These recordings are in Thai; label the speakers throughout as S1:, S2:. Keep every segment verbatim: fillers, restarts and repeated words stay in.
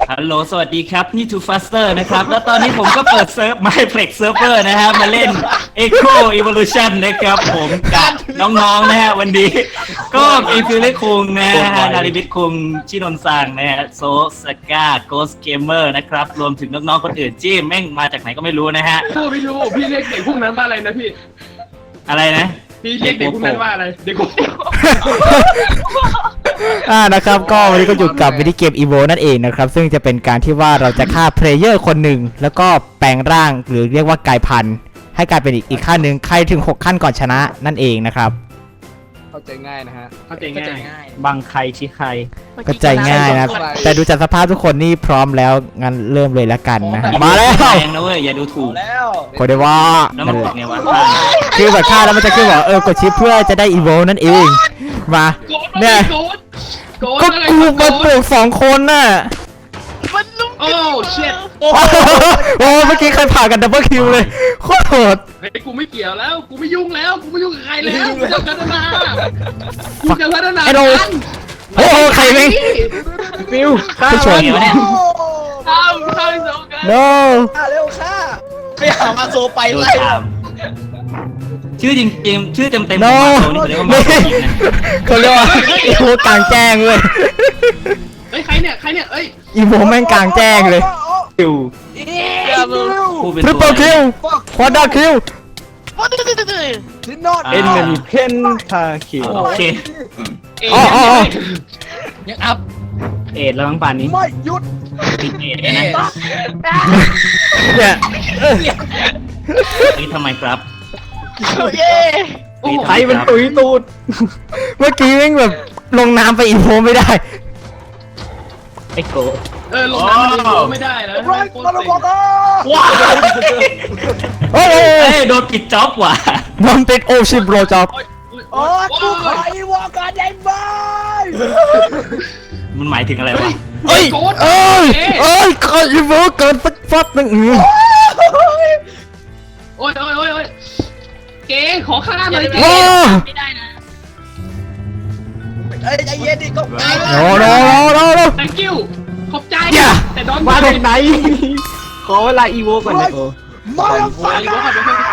S1: ฮัลโหลสวัสดีครับนี่ Too Faster นะครับแล้วตอนนี้ผมก็เปิดเซิร์ฟ MyPlex Server นะฮะมาเล่น Echo Evolution นะครับผมกับน้องๆนะฮะวันนี้ก็มีฟิลเล่คุงนะฮะนาริบิทคุงชินนซังนะฮะโซสก้า Ghost Gamer นะครับรวมถึงน้องๆคนอื่นที่แม่งมาจากไหนก็ไม่รู้นะฮะ
S2: พูดไม่รู้พี่เรียกเด็กพวกนั้นว่าอะไรนะพี่
S1: อะไรนะ
S2: พี่เรียกเด็กพวกนั้นว่าอะไรเด็กพวก
S3: อ่านะครับก็วันนี้ก็อยู่กับมินิเกม อีโว นั่นเองนะครับซึ่งจะเป็นการที่ว่าเราจะฆ่าเพลเยอร์คนหนึ่งแล้วก็แปลงร่างหรือเรียกว่ากลายพันธุ์ให้กลายเป็นอีกอีกขั้นหนึ่งใครถึงหกขั้นก่อนชนะนั่นเองนะครับ
S4: เข้าใจง่ายนะฮะ
S2: เข้าใจง่าย
S1: บังใครชี้ใคร
S3: ก็ใจง่ายนะครับแต่ดูจากสภาพทุกคนนี่พร้อมแล้วงั้นเริ่มเลยละกันนะฮะมาแล้ว
S1: แรงนะเว้ยอย่าดูถูก
S4: แล้ว
S3: โคเดว่า
S1: แล้วมันบอกไงวะ
S3: คือแบบฆ่าแล้วมันจะขึ้นบอกเออกดชิปเพื่อจะได้อีโวนั่นเองมา
S2: โกด
S3: เนี่ย
S2: โกดโกด
S3: ก็
S2: อะไร
S3: กู
S2: โก
S3: มา
S2: ด
S3: ปลูกสองคนน่ะ
S2: โอ้เช็ด
S3: โอ้เมื่อกี้ใครผ่ากันดับเบิลคิวเลยโคตรโหด
S2: เฮ้ยกูไม่เกี่ยวแล้วกูไม่ยุ่งแล้วกูไม่ยุ่งกับใครแล้วกูจะพัฒนากูจะพัฒนา
S3: ไอ้โดโอ้โหใครแม่ง
S4: ฟิว
S3: ผู้ชม
S1: เดี๋ยวเนี่ย
S2: ข้าวข้าวสองกัน
S3: no
S4: ฆ่าเร็วฆ่าไปหามาโซไป
S1: ดู
S4: ไล่
S1: ตามชื่อจริงๆชื่อเต็มๆ
S3: no
S1: ของมาโซนี่เขาเรียกว่ามาโซยิงนะ
S3: เขาเรียกว่าอีโวกลางแจ้งเลย
S2: เฮ้ยใครเนี่ยใครเนี่ยเอ้ย
S3: อีโวแม่งกลางแจ้งเลย
S1: คิว
S4: อย่ามึง
S1: ผู้เป็น
S3: ทริป
S1: ตั
S3: เปิ
S1: ว
S3: ลคิวควอเตอร์คิว
S4: ดินนอต
S1: เอ็นมัน
S4: เพนทาคิว
S1: โอเค
S2: เอ้ย
S3: อ๋ออ๋อ
S4: ยังอัพ
S1: เอ็ดแล้วมั้งป่านนี้
S4: ไม่หยุด
S1: ติดเอ็ดเลยนะ
S3: เนี่ย
S1: นี่ทำไมครับ
S2: โอ้โห
S1: ใครเป็นตุ๋ยตูด
S3: เมื่อกี้แม่งแบบลงน้ำไปอีโวไม่ได้
S1: ไอ้โก
S2: เออลงน้ำมันลงไม่ได้นะ
S4: ไรมาแล้วบอกอ่ะ
S1: ว้าว
S3: โอ้ย
S1: เอ้ยโดนปิดจ็อบว่ะ
S3: มันเป็นโอชิบโรจ็อบ
S4: โอ้กูขออีวอกันได้ไหม
S1: มันหมายถึงอะไรวะ
S3: เอ้ยเอ้ยเอ้ยขออีโวเกินสักฟัดหนึ่งอืม
S2: โอ้ยโอ้ยโอ้ยโอ้ยเก๋ขอข้ามหน่อยเก๋
S3: โอ้
S2: ไม่ได้นะ
S4: เอ้ยใจเย็นดิก็ตาย
S3: โนโนโนโนโน
S2: thank you ขอบใจ
S3: อย่า
S2: แต่ดอน
S1: มาจากไหน ขอเวลาอีโวก่อนนะโก
S4: มาแล้ว
S2: ไป
S4: ฟัง
S2: ดีกว่า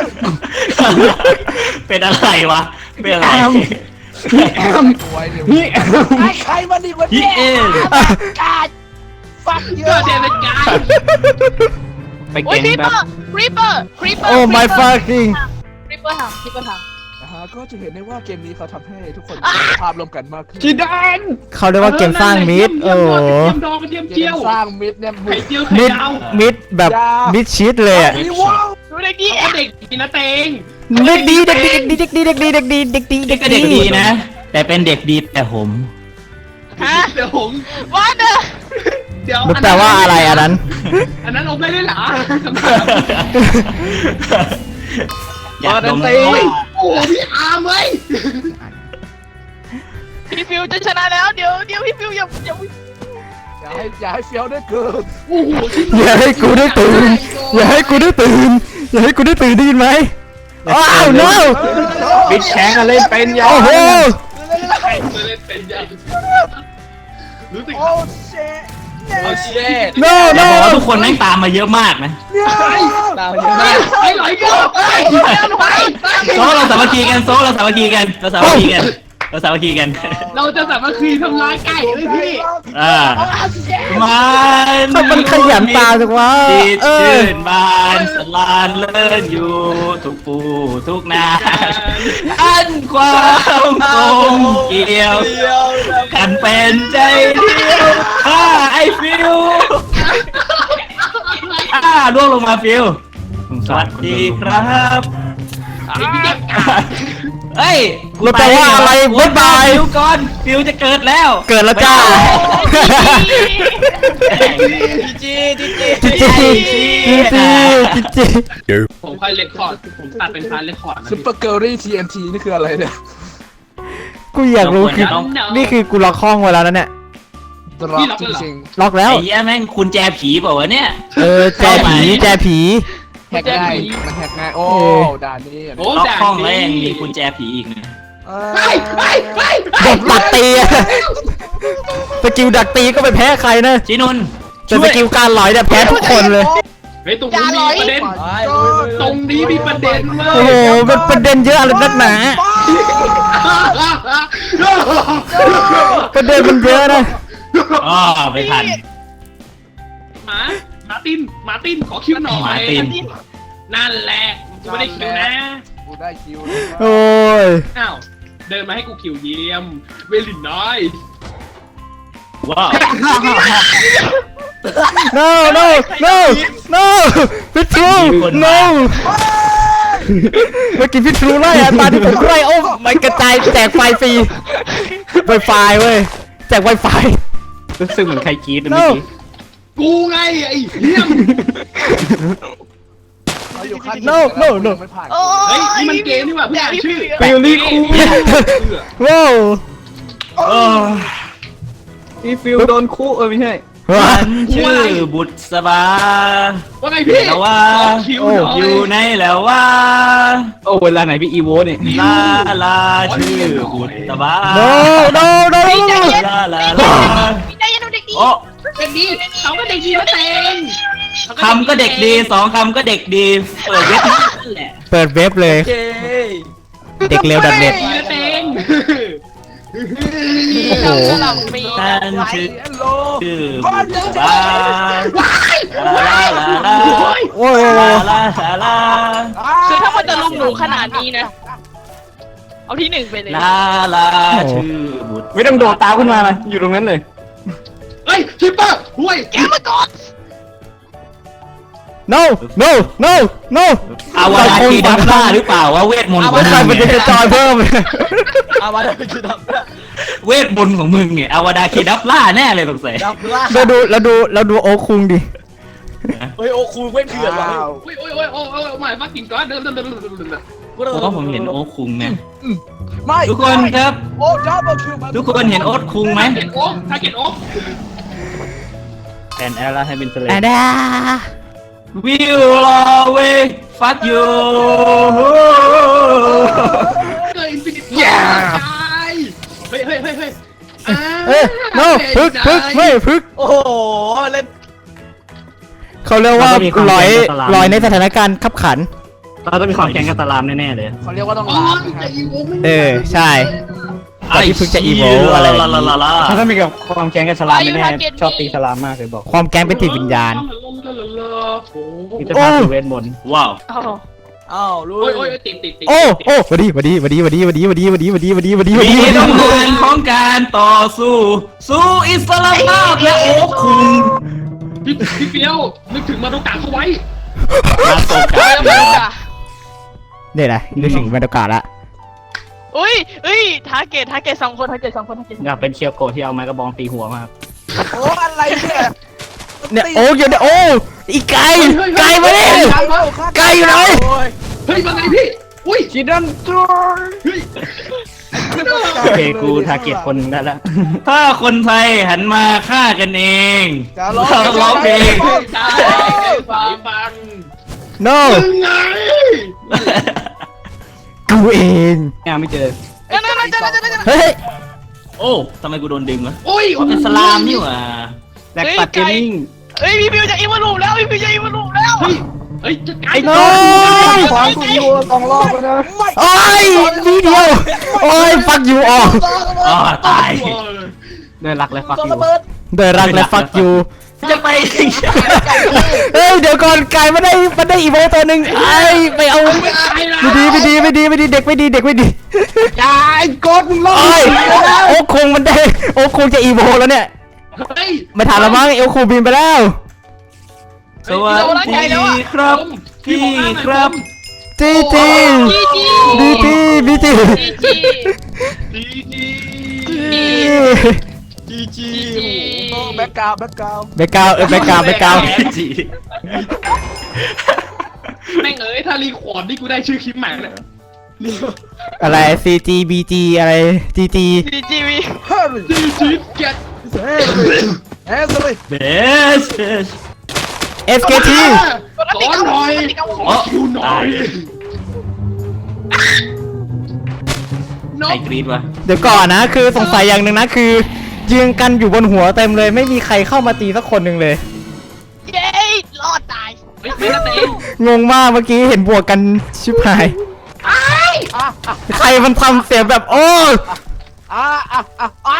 S1: เป็นอะไรวะ เป็นอะไร
S4: ไว้เดี๋ยวนี่ใครมาดีกว่า
S1: ฮิ
S4: เนี่ย
S1: เอ็น
S4: การฟักเย
S2: ก็
S4: อะ
S2: เดวิดกาย
S1: ไป
S5: โอ้ย
S1: เก่ง
S5: ครีป
S1: แบ
S5: เปอบ ร์ครีปเปอร์ครีปเปอร์
S3: โอ้ my fucking
S5: ครีปเปอร์ทำครีปเปอร์ท
S4: นะฮะก็จะเห็นได้ว่าเกมนี้เขาทำให้ทุกคนมีภาพร่วมกันมากขึ้น
S2: จีดาน
S3: เขาเรียกว่าเกมสร้างมิด
S2: เที
S3: โอ้
S2: ยม
S3: โห
S2: ดองกระเทียม
S4: เก
S2: เจีย
S4: ม
S2: ว
S4: สร้างมิดเนี่ยบุ
S2: ไข่
S4: ก
S2: เจียวไข่
S3: มิด
S2: ดาว
S3: มิดแบบมิดชิดเลยอ่ะ
S4: อีวอ
S5: ำดูเด็กดี
S2: เอาเด็กดีนะเตง
S3: เด็กดีเด็กดีเด็กดีเด็กดีเด็กดีเด็กดีเด็กดีเด็ก
S1: ก็
S3: ดี
S1: เด็กดีนะ แต่เป็นเด็กดีแต่ผม
S5: ฮะ
S2: เดี๋ยวผม
S5: ว่าเด้อ
S2: เดี๋ยว
S3: มันแปลว่าอะไรอันนั้น
S2: อันนั้นอมได้ด้วยเหรอ
S1: อยากดม
S2: โอ้ยโอ้โหพี่อาร์มเว้ย
S5: พี่ฟิวจะชนะแล้วเดี๋ยวเดี๋ยวพี่ฟิวอย่าอย่า
S4: อย่าให้อย่าให้เฟี้ยวได้เกิน
S2: โอ้โหที่
S3: อย่าให้กูได้ตื่นอย่าให้กูได้ตื่นอย่าให้กูได้ตื่นได้ยินไหมอ้าว no
S1: บิ๊กแชงเล่นเป็นยา
S3: โอ้โห
S2: ใครจะเล่นเป็นยังรู้สึก
S4: โอ้เชดโอ้เชด
S3: no
S1: อย่า
S3: no
S1: บอกว่าทุกคนแม่งตามมาเยอะมากนะ
S4: ตามเยอะมาก
S2: ไอ้หลอยก็ไอ้หลอย
S1: โซ่เราสามัคคีกันโซ่เราสามัคคีกันเราสามัคคีกันเราสามัคคีกัน
S2: เราจะสามัคคีทำร้ายไก่เลยพี่
S1: อ่ามัน
S3: ถ้ามันขยันตาจังวะ
S1: ติด
S3: เออ
S1: ชื่นบานสลานเลิศอยู่ทุกปูทุกนาอันความคงเกี่ยวกันเป็นใจเดียวอ่าไอฟิวอ่าล่วงลงมาฟิวสวัสดีครับเฮ้ย
S3: มันแปลว่าอะไรบ๊ายบาย
S1: ฟิวก่อนฟิวจะเกิดแล้ว
S3: เกิดแล้วจ้า
S4: จีจีจี
S3: จิจิจิจิจิจิ
S2: ผมค่อยเรคคอร์ดผมตัดเป็นพาร์ทเรคคอร์ดนะ
S4: ซุปเปอร์เกิร์ลลี่ทีเอ็นทีนี่คืออะไรเนี่ย
S3: กูอยากรู้คือ นี่คือกูล็อกห้องไว้แล้วนะเนี่ย
S4: ดรอปจริง
S3: ล็อกแล้ว
S1: ไอ้เหี้ยแม่งคุณแจผีเปล่าวะเนี่ย
S3: เออแจผีแจผี
S4: ๆแฮกง่ายมันแฮกง่ายโอ้ด่านนี้
S2: โอ้
S1: ล็อก
S2: ด่า
S1: ห้อง
S2: น
S1: แล้วยังมี
S2: นี้
S1: กุญแจผีอีกนะ
S2: ไปไปไป
S3: ดักตัดตีอะสกิลดักตีก็ไปแพ้ใครนะ
S1: ชินนท์
S3: แต่สกิลการลอยเนี่ยแพ้ทุกคนเลย
S2: เฮ้ยตรงนี้มีประเด็นตรงนี้มีประเด็นเล
S3: โอ้
S2: ย
S3: โหเป็นประเด็นเยอะอะไรนักหนาประเด็นมันเยอะนะ
S1: อ๋อไม่ทัน
S2: หมาหมาตินหมาตินขอคิวหน่อย
S1: หมาติน
S2: นั่นแหละกูไม่ได้คิวนะ
S4: กูได้คิว
S3: โอ้ย
S2: อ้าวเดินมาให้กูคิวเยี่ยมเวลินน้อย
S1: ว้าว
S3: no no no no พิทรู no เมื่อกี้พิทรูไล่อะตอนที่ผมไล่โอ้มันกระจายแจกไฟฟรี Wi-Fi เว้ยแจก Wi-Fi
S1: รู้สึกเหมือนใครกรี๊ดเมื่อกี้
S2: กูไงไอ้เยี่ยม
S4: เราอยู่ขั้น
S3: no no no
S4: ไม่ผ่าน
S5: โอ้
S2: เฮ้ยนี่มันเกมนี่หว่าเพิ่งอ่านชื่อ
S3: ฟิลลี่คู ว้าว
S6: พี่ฟิวโดนคู่เออไม่ใช่
S1: ฉันชื่อบุตรสบา
S2: ว่าไงพี่
S1: แล้วว่า
S2: ขอคิวหน่อย
S1: อยู่ในแล้วว่า
S6: โอ้เวลาไหนพี่อีโวเนี่ย
S1: ลาลาชื่อบุตรสบา
S3: no no no
S5: ใจเย็น
S1: ลาลา
S5: ใจ
S1: ลา
S5: เย็นเด็กดี
S1: โอ้
S2: เด็กดีเขาก็เด็กดีมาเต็ง
S1: คำก็เด็กดีสองคำก็เด็กดี เปิดเว็บนั่นแหละ
S3: เปิดเว็บเลย
S6: เย้
S3: เด็กเร็วดัดเด็ด
S2: ดีมาเต็ง
S5: โอ้โหหลังปี
S1: ฉันชื่อ
S4: ฮัลโหล
S1: ชื่อบุตรสบาลาลาลา
S3: โอ้ย
S1: ลาลาลาลา
S5: คือถ้ามันจะลุมหนูขนาดนี้นะ เอาที่หนึ่งไปเลย
S1: ลาลาชื่อบุตร
S6: ไม่ต้องโดดตามขึ้นมาเลยอยู่ตรงนั้นเลย
S2: เฮ้ยคิปเปอร์ห่วย
S5: แกมาก่อน
S3: no no no no
S1: อาวาดาคีดับล่าหรือเปล่าว่าเวทมนต์ของ
S3: ไม่ใคร
S1: มึ
S3: มัน
S1: ง
S3: จะ
S1: เนี่ย
S3: จอยเพิ่ม
S6: อามาได้คือดับ
S1: เวทมนต์ของมึงเนี่ยอาวาดาคีดับล่าแน่เลยสงสัย
S6: ดับล่า
S3: เราดูเราดูเราดูโอคุงดิ
S6: เฮ้ยโอ้ครูเว้นเถื่อนว่ะ
S2: โอ้ยโอ้ยโอ้ยโอ้ยโอ้ยโอ้ยมากินก่อนเดินเดินเดินเดินเดินเดิน
S1: เพราะว่าผมเห็นโอ๊คคุงเนี่ย
S4: ไม่
S1: ทุกคนครับ
S4: โอ้ดับเบิลคิวมา
S1: ทุกคนเห็นโอ๊คคุงไหม
S2: ถ้าเก็ตโอ๊กถ้าเก็ตโอ๊ก
S6: แอนแอลลาให้เป็นเซเล
S3: อะดา
S1: Will always fuck you
S2: เกิดอินฟินิตี้ตายเฮ้ยเฮ้ยเฮ้ยเฮ้ย
S3: เอ้ย no พึกพึกไม่พึก
S6: โอ้โหเล่น
S3: เขาเรียกว่าลอยลอยในสถานการณ์ขับขัน
S6: เราต้องมีความแข่งกับตารามแน่ๆเลย
S4: เขาเรียกว่าต้อง
S2: อ๋อ
S4: ล้างนะ
S2: จะ
S4: ฮะ
S2: อีโวไม่
S3: เออใช่ ตอนที่เพิ่งจะ evolve อะไรแบบนี้
S1: ลาลาลา
S6: ถ้าต้องมีกับความแข่งกับสลามแน่ๆชอบตีสลามมากเลยบอก
S3: ความแก๊งเป็นจิตวิญญาณ
S6: มิตรภาพคือเวทมนต์
S1: ว้าว
S5: โอ้โห
S6: อ้าวรู้
S2: โอ้ยโอ้ยติดติดติด
S3: โอ้โอ้วันดีวันดีวันดีวันดีวันดีวันดีวันดีวันดีวันดีวันดีวัน
S1: มี
S3: ดีวันดี
S1: ต้องการของการต่อสู้ สู้อิสระภาพและโอ๊คคุง
S2: พี่พี่เฟี้ยวนึกถึงมาโดกาเขาไว้
S1: มาโซ
S5: เฮ้
S1: กาย
S5: ไม่รู้จ้ะ
S3: เนี่ยนะนึกถึงบรรยากาศละ
S5: อุ้ยอุ้ยทาร์เกตทาร์เกตสองคนทาร์เกตสองคนทาร์เกต
S6: อยากเป็นเคียวโกะที่เอาไม้กระบองตีหัวมาก
S4: โอ้อะไรเนี่ย
S3: เนี่ยโอ้ยเดี๋ยวโอ้อีไก่ไก่มาดิไก่อยู่ไหน
S2: เฮ้ยมาไงพี่อุ้ย
S6: ชิดันจู
S2: เฮ้ย
S6: โอเคกูทาร์เก็ตคนหนึ่งได้แล้ว
S1: ถ้าคนไทยหันมาฆ่ากันเอง
S4: จะร้อง
S1: เราร้องเพลง
S2: ตายสายฟัง
S3: no
S2: ยังไง
S3: กูเอง
S6: ยังไม่เจอ
S5: นั่นนั่นนั่นนั่นนั่น
S3: เฮ้ย
S1: โอ้ทำไมกูโดนดึงวะ
S2: โอ้ย
S1: เป็นสลามนี่หว่า
S6: แลกตัดเกมมิ่ง
S5: เฮ้ยพี่ฟิวจะอิมมาลูแล้วพี่ฟิวจะอิมมาลูแล้ว
S2: เฮ้ยเฮ้ยจะไกล
S3: โอ้ย
S6: ขวางกูอยู่สองรอบแล้วนะ
S3: โอ้ยวีเดียวโอ้ยฟักยูออก
S1: อ๋อตาย
S6: เดินหลักเลยฟักอยู่
S3: เดินรักและฟักยู
S1: จะไป
S3: เฮ้ยเดี๋ยวก่อนไก่ไม่ได้ไม่ได้อีโวตัวหนึ่งไอ้ไปเอาไม่ดีไม่ดีไม่ดีไม่ดีเด็กไม่ดีเด็กไม่ดี
S6: ยายกดมึงรอ
S3: โอ้ยโอ้คงมันได้โอ้คงจะอีโวแล้วเนี่ย
S2: เฮ้ย
S3: ไม่ทันแล้วมั้งเอลคูบินไปแล้ว
S1: สวัสดีครับพี่ครับ
S3: จีจี
S5: จีจี
S3: บีจีบีจี
S5: จีจี
S2: ดีดี
S6: จีจี
S4: แบ็กกราวด์แบ็กกราวด์
S3: แบกกราวเออแบกกราวแบกกราว
S1: จี
S2: แม่งเอ้ยถ้ารีคอร์ดนี่กูได้ชื่อคลิปใหม่เลย
S3: อะไรซีจีบีจีอะไรจีจี
S5: จีจีวี
S4: เฮ้ย
S2: ดีจีเก็ต
S4: เฮ้ยเฮ้ยเลย
S1: เบส
S3: เอสเคที
S2: สอนหน่อยขอคิวหน่อยน
S1: ใคร
S2: ก
S1: กรี๊ดวะ
S3: เดี๋ยวก่อนนะคือสงสัยอย่างหนึ่งนะคือยืนกันอยู่บนหัวเต็มเลยไม่มีใครเข้ามาตีสักคนหนึ่งเลย
S2: ไม่ไม่นะเต็ง
S3: งงมากเมื่อกี้เห็นบวกกันชิบหาย ใครมันทำเสียงแบบโอ้
S4: อ่าอ่าอ่าอ่า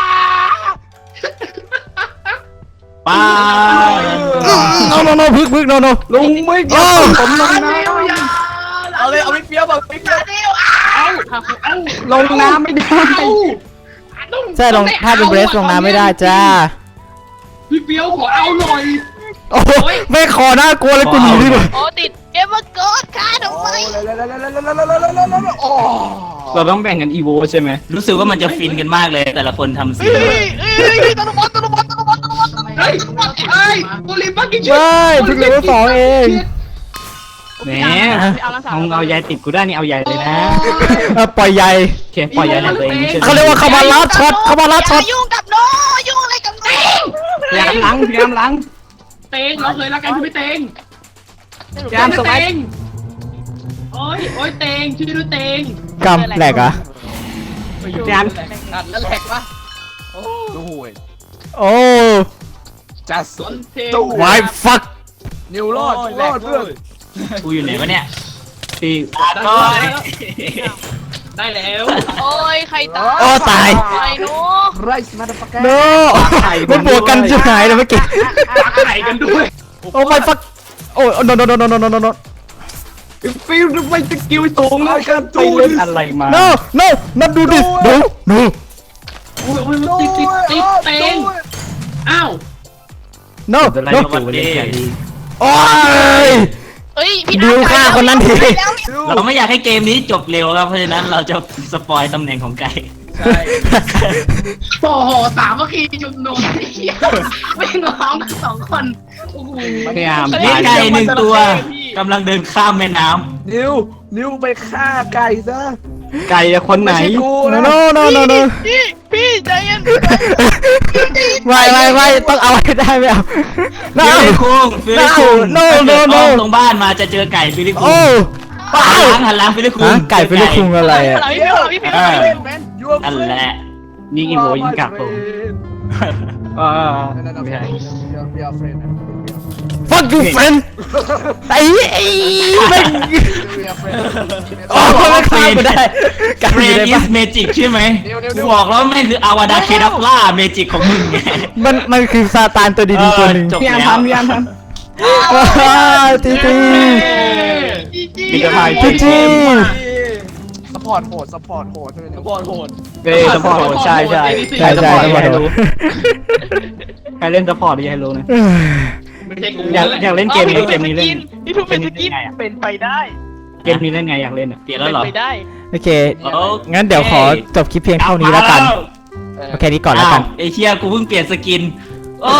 S1: ป้า
S3: โนโนโนพึกพึกโนโน
S6: ลุงไม่ยอมผมลงน้
S4: เอาเลยเอาไปเฟี้ยวแบบไปเฟี้ยว
S2: เอาเอา
S6: ำลงน้ำไม่ได้
S3: ใช่ลงถ้าเป็นเบรสลงน้ำไม่ได้จ้า
S2: พี่เปียวขอเอาหน่อย
S3: โอ้ไม่ขอน่ากลัวเลยกูหนีดีกว่า
S5: โอ้ติดเกมมาเกิดค่ะทำไม
S4: โอ้
S6: เราต้องแบ่งกันอีโวใช่ไหม
S1: รู้สึกว่ามันจะฟินกันมากเลย แต่ละคนทำเสียง
S2: เฮ้ยเฮ้ยเฮ้ยโอลิมปัสกิน
S3: ไม่เพิ่งเลเวลสองเอง
S6: แหม
S5: เอาละสาม
S6: เอาเอายายติดกูได้นี่เอาใหญ่เลยนะ
S3: เออปล่อยใหญ่
S6: โอเคปล่อยยายในตัวเองไม่ใช่
S3: เขาเรียกว่าเขามาลัดช็อตเขามาลัดช็อต
S5: ยุ่งกับโนยุ่งอะไรกับโน
S6: พยายามล้างพยายามล้าง
S2: เตงเราเคยรักกันคือไม่เตง
S6: พยายามส
S2: เต
S6: วัสด
S2: งโอ้ยโอ้ยเตงชื่อด้วยเตง
S3: กำแหลกเหรอ่ะ
S6: พยายาม
S4: นั่นแหลกปะโอ้ดูห่วย
S3: โอ้
S4: จัส
S2: เตง
S4: ตู้
S3: วายฟัก
S4: นิวรอดรอดเพื่อน
S1: กูอยู่ไหนวะเนี่ย
S6: ที่
S1: ก็
S2: ได้แล้ว
S5: โอ้ยใครตาย
S3: โอ้ตาย
S5: ไอ้โน
S4: ไรส์มาดฟักแก
S3: โนมันบวกกันชิบหายเลยเมื่อกี้
S2: รักไข่กันด้วย
S3: โอ้ไม่ฟักโอ้โนโนโนโนโนโนโนโน
S6: ฟิลไม่สกิลสูงนะไปเล่นอะไรมา
S3: โนโนนับดูดิโนโน
S2: โอ้ยโอ้ยมันติดติดติดเตงอ้าว
S3: โน
S6: จะไล่
S3: โน
S6: จูเล่นแค่นี้
S3: โอ้ย
S5: เฮ้ยพี่
S3: ดิวฆ่าคนนั้นที
S1: เราไม่อยากให้เกมนี้จบเร็วครับ เพราะฉะนั้นเราจะสปอยตำแหน่งของไก่
S4: ใช่
S2: โอ้โหสามเมื่อกี้จุดนมไม่งร้องกันสองคนโอ้โห
S6: พยายาม
S1: นี่ไก่หนึ่งตัวกำลังเดินข้ามแม่น้ำ
S4: นิวนิวไปฆ่าไก่ซะ
S6: ไก่คนไหน
S4: ไม่ใช่กู
S3: โน
S4: นะ
S3: โนโนโนโน
S5: พี่พี่ใจเย็น
S3: ไม่ไม่ไม่ต้องเอาให้ได้ไม่เอา
S1: ฟิลิปคุงฟิลิปคุง
S3: No, no, no, no.
S1: ตรงบ้านมาจะเจอไก่ฟิลิปคุ
S3: โอ้
S1: ง
S3: ป้า
S1: หันหลังหันหลังฟิลิปคุง
S3: ฮะไก่ฟิลิปคุงอะไรอ่ะ
S5: พี่พี่พี่พี่
S1: เออ
S4: แมนยู
S1: นั่นแหละ
S6: นี่อีโวยิงกลับผมอ่าไม่ใช่
S4: เบียร์เฟรนด์
S3: fuck you friend ไอ้ไอ้ไม่
S4: เบียร์เฟรนด์
S3: โอ้ไม่ฆ่ากูได้ไก่
S1: เฟร
S3: อยู่
S1: น
S3: ใน
S1: อิ
S3: บ้า
S1: ส
S3: น
S1: เมจิกใช่ไหม
S4: เดี๋ยวเดี๋ยวเดี๋
S1: กู
S4: ยว
S1: บอกแล้วไม่คืออาวาดาเคดับล่าเมจิกของมึงไง
S3: มันมันคือซาตานตัวดีๆตัวหนึ่ง
S1: จบ
S6: พยายาม
S1: แล้ว
S6: ทำพยายามท
S3: ว้าวจีจี
S6: ำมีกระต่าย
S3: จีจี
S4: สปอร์ตโหดสปอร์ตโหดใช่ไหมสปอร์ตโหด
S6: เฮ้ยสปอร์ตใช่ใช่
S3: ใช่ใช่ต้องบอก
S6: ให้รู้ใครเล่นสปอร์ตอยากให้รู้นะ
S2: ไม่ใช่กู
S6: อยากอยากเล่นเกมนี้เกมนี้เล่น
S5: พี่ทูเป็นสกินเป็นไปได้
S6: เกมนี้เล่นไงอยากเล่นอ่ะ
S1: เปลี่ยนแล้วเหรอ
S5: ไปได้
S3: โอเค
S1: โอเค
S3: งั้นเดี๋ยวขอจบคลิปเพียงเท่านี้แล้วกันโอเคนี้ก่อนแล้วกัน
S1: าวไอเชียกูเพิ่งเปลี่ยนสกินโอ้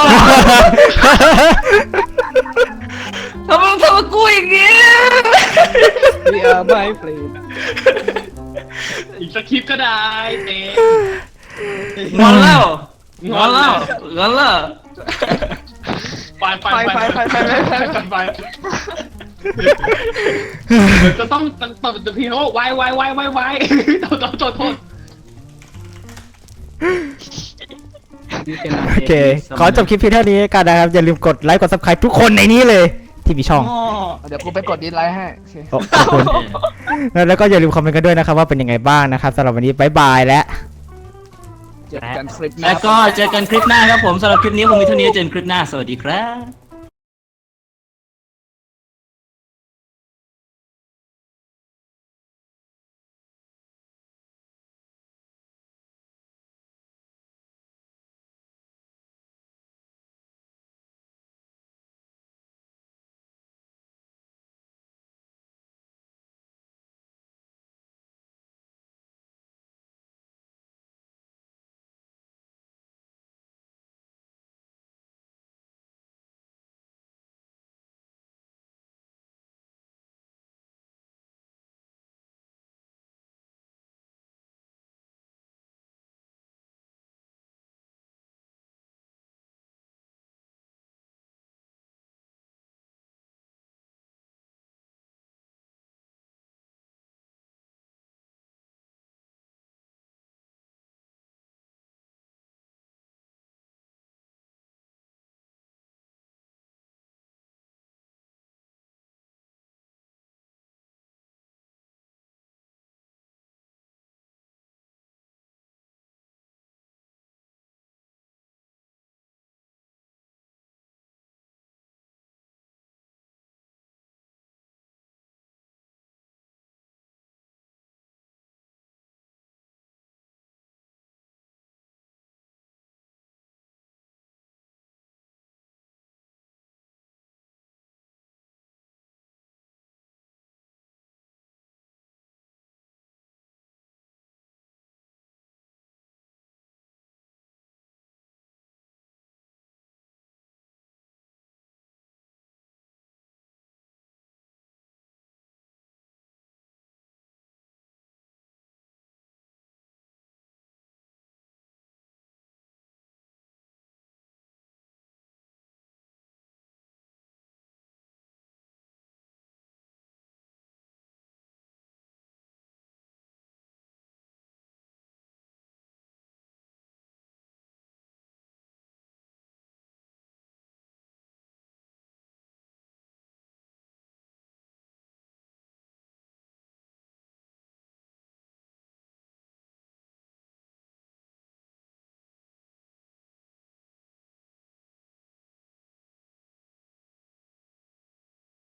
S1: ทำไมทำกับกูอย่างนี้
S6: เบียร์ไม่เปลี่ยน
S2: อีกสักคลิปก็ได้เตง
S1: งอนแล้วงอนแล้วงอนแล้ว
S2: ไปไปไปไปไปไปไปไปจะต้องตบตบทีเขาไวไวไวไวไวโทษโทษโทษ
S3: โอเค ขอจบคลิปเพียงเท่านี้แล้วกันนะครับ อย่าลืมกดไลค์กด subscribe ทุกคนในนี้เลย ที่มีช่อง
S4: เดี๋ยวกูไปกดดิสไลค์ให้โอเค
S3: โอ้ขอบคุณแล้วก็อย่าลืมคอมเมนต์กันด้วยนะครับว่าเป็นยังไงบ้างนะครับสำหรับวันนี้บ๊ายบายและ
S4: เจอกันคลิปหน้า
S1: แล้วก็เจอกันคลิปหน้าครับผมสำหรับคลิปนี้ผมมีเท่านี้เจอกันคลิปหน้าสวัสดีครับ